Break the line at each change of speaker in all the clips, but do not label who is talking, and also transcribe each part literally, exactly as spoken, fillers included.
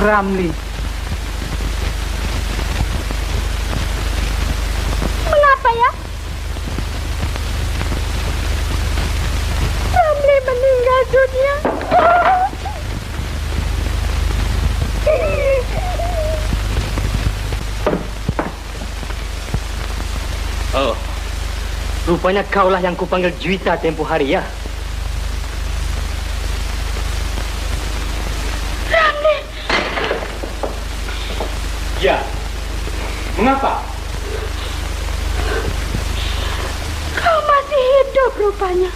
Ramli.
Mengapa ya? Ramli meninggal dunia.
Oh, rupanya kaulah yang kupanggil Juwita tempoh hari ya.
Ramli.
Ya. Mengapa?
Kau masih hidup rupanya.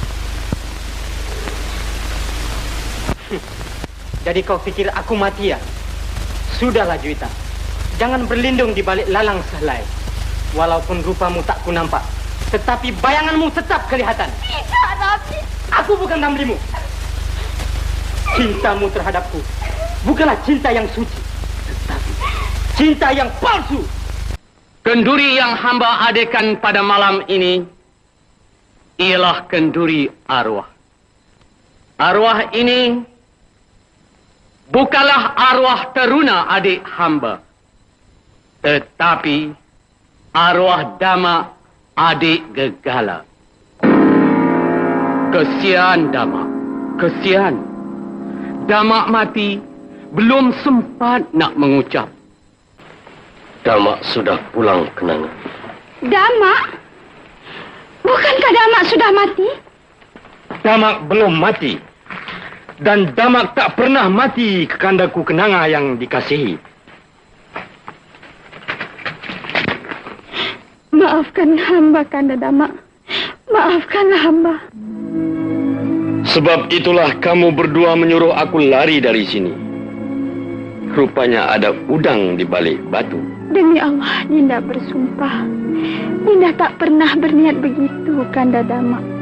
Jadi kau pikir aku mati ya? Sudahlah Juwita. Jangan berlindung di balik lalang sehelai. Walaupun rupamu tak ku nampak, tetapi bayanganmu tetap kelihatan.
Tidak, Ramli.
Aku bukan Ramlimu. Cintamu terhadapku bukanlah cinta yang suci, tetapi cinta yang palsu. Kenduri yang hamba adekan pada malam ini ialah kenduri arwah. Arwah ini bukanlah arwah teruna adik hamba, tetapi arwah Dama adik Gegala. Kesian Dama, kesian. Dama mati belum sempat nak mengucap. Dama sudah pulang kenangan.
Dama? Bukankah Dama sudah mati?
Dama belum mati. Dan Dama tak pernah mati kekandaku kenanga yang dikasihi.
Maafkan hamba, Kanda Dama. Maafkanlah hamba.
Sebab itulah kamu berdua menyuruh aku lari dari sini. Rupanya ada udang di balik batu.
Demi Allah, Dinda bersumpah. Dinda tak pernah berniat begitu, Kanda Dama.